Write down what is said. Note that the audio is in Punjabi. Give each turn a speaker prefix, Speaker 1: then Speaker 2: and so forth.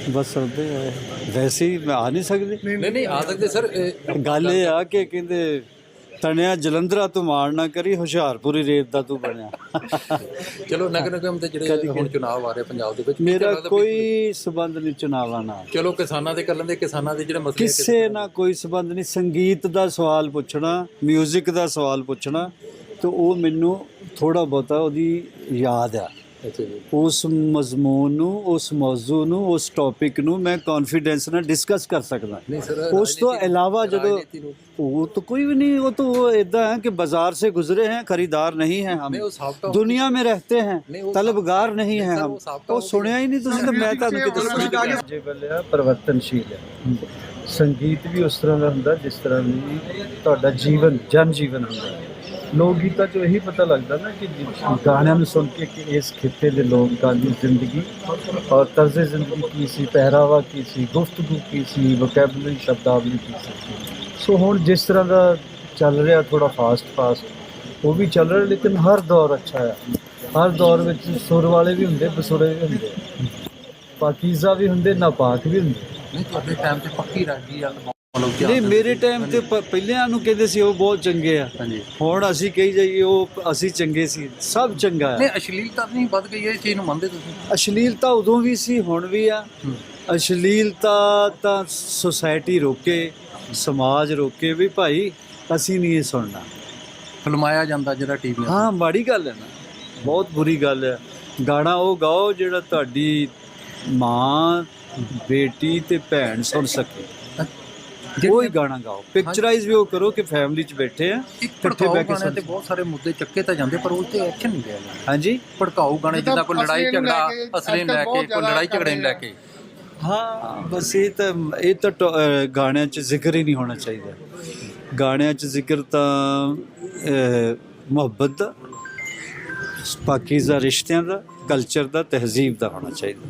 Speaker 1: ਬਸ ਸੁਣਦੇ ਆ ਵੈਸੇ ਹੀ ਆ ਨਹੀਂ ਸਕਦੇ।
Speaker 2: ਨਹੀਂ ਆ ਸਕਦੇ ਸਰ।
Speaker 1: ਗੱਲ ਇਹ ਆ ਕਿ ਕਹਿੰਦੇ ਤਣਿਆ ਜਲੰਧਰਾ ਤੂੰ ਮਾਣ ਨਾ ਕਰੀ, ਹੁਸ਼ਿਆਰਪੁਰੀ ਰੇਤ ਦਾ ਤੂੰ ਬਣਿਆ।
Speaker 2: ਚਲੋ ਨਗਰ ਨਿਗਮ ਦੇ ਜਿਹੜੇ ਹੁਣ ਚੁਣਾਵ ਆ ਰਹੇ ਪੰਜਾਬ ਦੇ ਵਿੱਚ,
Speaker 1: ਮੇਰਾ ਕੋਈ ਸਬੰਧ ਨਹੀਂ ਚੁਣਾਵਾਂ ਨਾਲ।
Speaker 2: ਚਲੋ ਕਿਸਾਨਾਂ ਦੇ ਕਰ ਲੈਂਦੇ, ਕਿਸਾਨਾਂ ਦੇ ਜਿਹੜੇ ਮਸਲੇ
Speaker 1: ਕਿਸੇ ਨਾਲ ਕੋਈ ਸਬੰਧ ਨਹੀਂ। ਸੰਗੀਤ ਦਾ ਸਵਾਲ ਪੁੱਛਣਾ, ਮਿਊਜ਼ਿਕ ਦਾ ਸਵਾਲ ਪੁੱਛਣਾ, ਤੇ ਉਹ ਮੈਨੂੰ ਥੋੜਾ ਬਹੁਤਾ ਉਹਦੀ ਯਾਦ ਆ।
Speaker 2: ਅੱਛਾ ਜੀ।
Speaker 1: ਉਸ ਮਜ਼ਮੂਨ ਨੂੰ, ਉਸ ਮੌਜੂ ਨੂੰ, ਉਸ ਟੌਪਿਕ ਨੂੰ ਮੈਂ ਕੌਨਫੀਡੈਂਸ ਨਾਲ ਡਿਸਕਸ ਕਰ ਸਕਦਾ।
Speaker 2: ਨਹੀਂ ਸਰ,
Speaker 1: ਉਸ ਤੋਂ ਇਲਾਵਾ ਜਦੋਂ वो तो कोई भी नहीं, वो तो इदा है कि बाजार से गुजरे हैं, खरीदार नहीं हैं हम, दुनिया में रहते हैं, तलबगार नहीं हैं हम। वो सुनिया ही नहीं तुसीं तो मैं तुहानूं कि दस्सां। जे बल्ले परिवर्तनशील है, संगीत भी उस तरह का हुंदा जिस तरह भी तुहाडा जीवन जन जीवन हुंदा। लोक गीतां चों यही पता लगता ना कि गाणिਆਂ ਨੂੰ सुन के कि इस खिते के लोगों की जिंदगी और तर्ज जिंदगी की सी, पहरावा की सी, गुफ्तगू की सी, वोकैबुलरी शब्दावली की सी। सो हुण जिस तरह का चल रहा थोड़ा फास्ट वो भी चल रहा, लेकिन हर दौर अच्छा है। हर दौर में सुर वाले भी होंगे, बसुरे भी होंगे, पाकीज़ा भी होंगे, नापाक भी होंगे। नहीं मेरे टाइम ਤੇ ਪਹਿਲਿਆਂ ਨੂੰ ਕਹਿੰਦੇ ਸੀ ਉਹ ਬਹੁਤ ਚੰਗੇ ਆ, ਹੁਣ ਅਸੀਂ ਕਹੀ ਜਾਈਏ ਉਹ ਅਸੀਂ ਚੰਗੇ ਸੀ। ਸਭ ਚੰਗਾ ਹੈ।
Speaker 2: ਨਹੀਂ ਅਸ਼ਲੀਲਤਾ ਨਹੀਂ ਵੱਧ ਗਈ ਹੈ, ਇਸ ਚੀਜ਼ ਨੂੰ ਮੰਨਦੇ ਤੁਸੀਂ?
Speaker 1: ਅਸ਼ਲੀਲਤਾ ਉਦੋਂ ਵੀ ਸੀ, ਹੁਣ ਵੀ ਆ। ਅਸ਼ਲੀਲਤਾ ਤਾਂ ਸੁਸਾਇਟੀ ਰੋਕੇ, ਸਮਾਜ ਰੋਕੇ ਵੀ ਭਾਈ ਅਸੀਂ ਨਹੀਂ ਇਹ ਸੁਣਨਾ।
Speaker 2: ਫਿਲਮਾਇਆ ਜਾਂਦਾ ਜਿਹੜਾ ਟੀਵੀ।
Speaker 1: ਹਾਂ ਮਾੜੀ ਗੱਲ ਹੈ ਨਾ, ਬਹੁਤ ਬੁਰੀ ਗੱਲ ਹੈ। ਗਾਣਾ ਉਹ ਗਾਓ ਜਿਹੜਾ ਤੁਹਾਡੀ ਮਾਂ, ਬੇਟੀ ਤੇ ਭੈਣ ਸੁਣ ਸਕੇ, ਕੋਈ ਗਾਣਾ ਗਾਓ। ਪਿਕਚਰਾਈਜ਼ ਵੀ ਉਹ ਕਰੋ ਕਿ ਫੈਮਿਲੀ 'ਚ ਬੈਠੇ ਆ ਇਕੱਠੇ ਬਹਿ ਕੇ।
Speaker 2: ਤੇ ਬਹੁਤ ਸਾਰੇ ਮੁੱਦੇ ਚੱਕੇ ਤਾਂ ਜਾਂਦੇ ਪਰ ਉਹ ਤੇ ਐਕਸ਼ਨ ਨਹੀਂ ਲਿਆ ਜਾਂਦਾ।
Speaker 1: ਹਾਂਜੀ,
Speaker 2: ਭੜਕਾਊ ਗਾਣੇ ਜਿੱਦਾਂ ਕੋਈ ਲੜਾਈ ਝਗੜਾ ਅਸਲੇ ਨੂੰ ਲੈ ਕੇ, ਕੋਈ ਲੜਾਈ ਝਗੜੇ ਨੂੰ ਲੈ ਕੇ।
Speaker 1: ਹਾਂ ਬਸ ਇਹ ਤਾਂ ਗਾਣਿਆਂ 'ਚ ਜ਼ਿਕਰ ਹੀ ਨਹੀਂ ਹੋਣਾ ਚਾਹੀਦਾ। ਗਾਣਿਆਂ 'ਚ ਜ਼ਿਕਰ ਤਾਂ ਮੁਹੱਬਤ ਦਾ, ਪਾਕੀਜ਼ਾ ਰਿਸ਼ਤਿਆਂ ਦਾ, ਕਲਚਰ ਦਾ, ਤਹਿਜ਼ੀਬ ਦਾ ਹੋਣਾ ਚਾਹੀਦਾ।